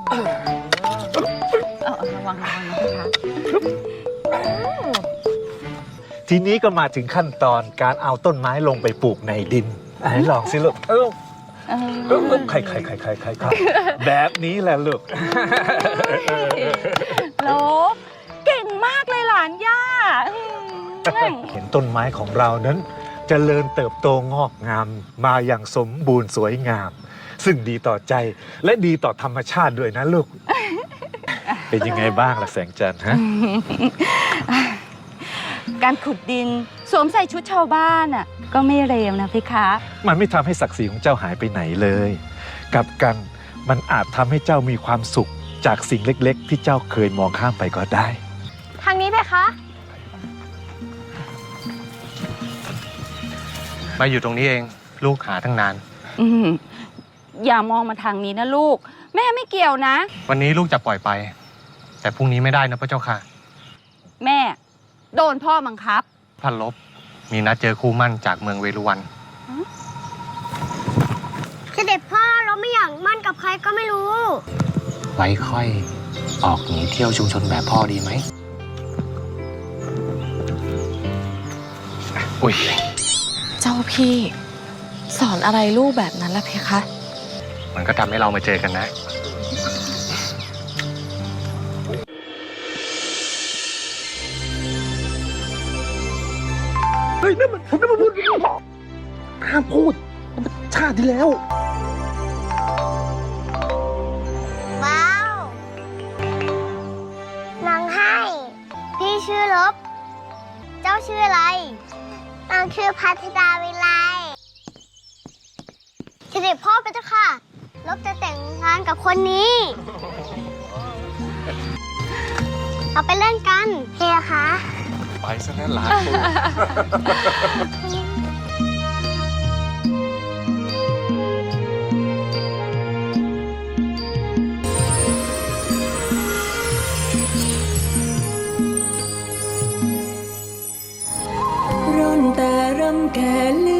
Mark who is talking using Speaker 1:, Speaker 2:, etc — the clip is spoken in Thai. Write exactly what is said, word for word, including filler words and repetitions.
Speaker 1: เออระวังระวังนะคะ
Speaker 2: ทีนี้ก็มาถึงขั้นตอนการเอาต้นไม้ลงไปปลูกในดินไหนลองสิลูกเออ
Speaker 1: เออ
Speaker 2: เออใครใครใครใครใครครับแบบนี้แหละลูก
Speaker 1: โลบเก่งมากเลยหลานย่าอืม
Speaker 2: เห็นต้นไม้ของเรานั้นจเจริญเติบโตงอกงามมาอย่างสมบูรณ์สวยงาม ซึ่งดีต่อใจและดีต่อธรรมชาติด้วยนะลูก เป็นยังไงบ้างล่ะแสงจันทร์ฮะ
Speaker 1: การขุดดินสวมใส่ชุดชาวบ้านอ่ะก็ไม่เลวนะพี่คะ
Speaker 2: มันไม่ทำให้ศักดิ์ศรีของเจ้าหายไปไหนเลยกลับกันมันอาจทำให้เจ้ามีความสุขจากสิ่งเล็กๆ ที่เจ้าเคยมองข้ามไปก็ได้
Speaker 3: ทางนี้เพคะ
Speaker 4: มาอยู่ตรงนี้เองลูกหาตั้งนาน
Speaker 1: อืมอย่ามองมาทางนี้นะลูก แม่ไม่เกี่ยวนะ
Speaker 4: วันนี้ลูกจะปล่อยไป แต่พรุ่งนี้ไม่ได้นะพระเจ้าค่ะ
Speaker 1: แม่ โดนพ่อบังคับ
Speaker 4: พันลบมีนัดเจอคู่มั่นจากเมืองเวรุวัน
Speaker 3: เสด็จพ่อเราไม่อยากมั่นกับใครก็ไม่รู้
Speaker 4: ไว้ค่อยออกหนีเที่ยวชุมชนแบบพ่อดีไหมอุ้ย
Speaker 5: เจ้าพี่ สอนอะไรลูกแบบนั้นล่ะเพคะ
Speaker 4: มันก็ทำให้เรามาเจอกันนะ
Speaker 6: เฮ้ยนั่นมันนั่นมันพูดห้ามพูดมันชาติที่แล้ว
Speaker 3: ว้าวนางให้ พี่ชื่อลบ เจ้าชื่ออะไร นางชื่อพัทดาวิไลเสด็จพ่อไปเจ้าค่ะ ลบจะแต่งงานกับคนนี้ เราไปเล่นกันเฮียคะ
Speaker 2: ไปซะนั่นหลาน
Speaker 7: ร่อนแต่รำแก่ลื